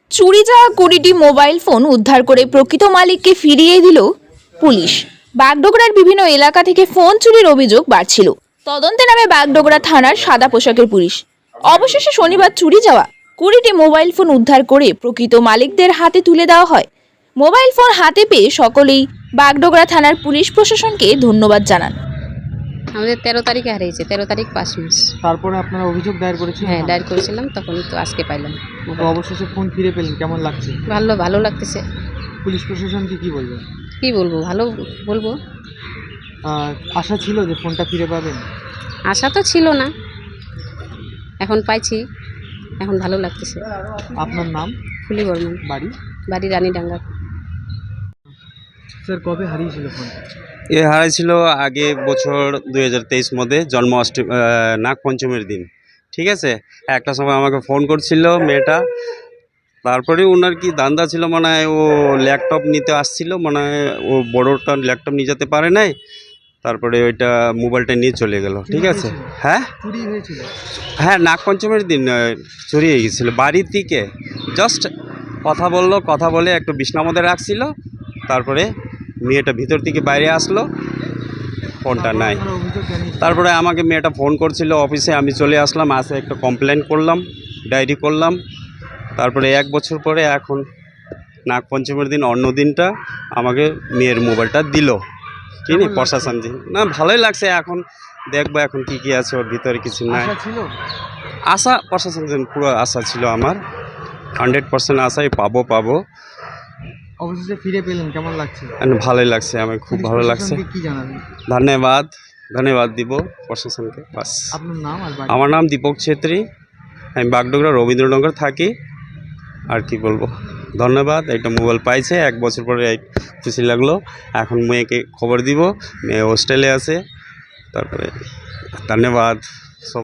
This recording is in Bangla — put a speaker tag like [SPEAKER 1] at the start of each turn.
[SPEAKER 1] চুরি যাওয়া 20টি মোবাইল ফোন উদ্ধার করে প্রকৃত মালিককে ফিরিয়ে দিল পুলিশ। বাগডোগরার বিভিন্ন এলাকা থেকে ফোন চুরির অভিযোগ বাড়ছিল। তদন্তে নামে বাগডোগরা থানার সাদা পোশাকের পুলিশ। অবশেষে শনিবার চুরি যাওয়া 20টি মোবাইল ফোন উদ্ধার করে প্রকৃত মালিকদের হাতে তুলে দেওয়া হয়। মোবাইল ফোন হাতে পেয়ে সকলেই বাগডোগরা থানার পুলিশ প্রশাসনকে ধন্যবাদ জানান।
[SPEAKER 2] আমাদের 13 তারিখে হারিয়েছে, 13 তারিখ 5 মাস।
[SPEAKER 3] তারপরে আপনারা অভিযোগ দায়ের করেছিলেন?
[SPEAKER 2] হ্যাঁ, ডায়েরি করেছিলাম, তখন তো আজকে পাইলাম।
[SPEAKER 3] তো অবশেষে ফোন ফিরে পেলেন, কেমন লাগছে?
[SPEAKER 2] ভালো লাগতেছে।
[SPEAKER 3] পুলিশ প্রশাসনকে কি বলবেন?
[SPEAKER 2] কি বলবো, ভালো বলবো।
[SPEAKER 3] আশা ছিল যে ফোনটা ফিরে পাবেন?
[SPEAKER 2] আশা তো ছিল না, এখন পাইছি, এখন ভালো লাগতেছে।
[SPEAKER 3] আপনার নাম?
[SPEAKER 2] ফুলি বর্মন। বাড়ি রানীডাঙ্গা।
[SPEAKER 3] স্যার, কবে হারিয়েছিল ফোনটা?
[SPEAKER 4] এ হারাইছিল আগে বছর 2023 মধ্যে জন্মাষ্টমী নাগপঞ্চমীর দিন। ঠিক আছে, একটা সময় আমাকে ফোন করছিল মেয়েটা। তারপরে ওনার কি দান্দা ছিল, মনে হয় ও ল্যাপটপ নিতে আসছিল, মনে হয় ও বড়োটা ল্যাপটপ নিয়ে যেতে পারে নাই। তারপরে ওইটা মোবাইলটা নিয়ে চলে গেল। ঠিক আছে। হ্যাঁ,
[SPEAKER 3] চুরি হয়েছিল?
[SPEAKER 4] হ্যাঁ, নাগপঞ্চমীর দিন চুরি হয়ে গেছিলো। বাড়ি থেকে জাস্ট কথা বলে একটু বিছনার মধ্যে রাখছিল। তারপরে মেয়েটা ভিতর থেকে বাইরে আসলো, ফোনটা নাই। তারপরে আমাকে মেয়েটা ফোন করছিল অফিসে, আমি চলে আসলাম, আসে একটা কমপ্লেন করলাম, ডায়েরি করলাম। তারপরে 1 বছর পরে এখন নাগপঞ্চমীর দিন অন্য দিনটা আমাকে মেয়ের মোবাইলটা দিল। চিনি প্রশাসন দিন না, ভালোই লাগছে। এখন দেখবো এখন কি আছে ওর ভিতরে, কিছু নাই। আশা প্রশাসন দিন পুরো আশা ছিল আমার, 100% আশাই পাবো।
[SPEAKER 3] অবশেষে ফিরে পেলেন, কেমন লাগছে?
[SPEAKER 4] ভালোই লাগছে, আমার খুব ভালো লাগছে।
[SPEAKER 3] কি জানাবেন?
[SPEAKER 4] ধন্যবাদ দিব প্রশাসনকে। বাস।
[SPEAKER 3] আপনার নাম আর বাড়ি?
[SPEAKER 4] আমার নাম দীপক ছেত্রী, আমি বাগডোগরা রবীন্দ্রনগর থাকি। আর কি বলবো, ধন্যবাদ। একটা মোবাইল পাইছে 1 বছর পরে, খুশি লাগলো। এখন মেয়েকে খবর দিব, মেয়ে হোস্টেলে আছে। তারপরে ধন্যবাদ।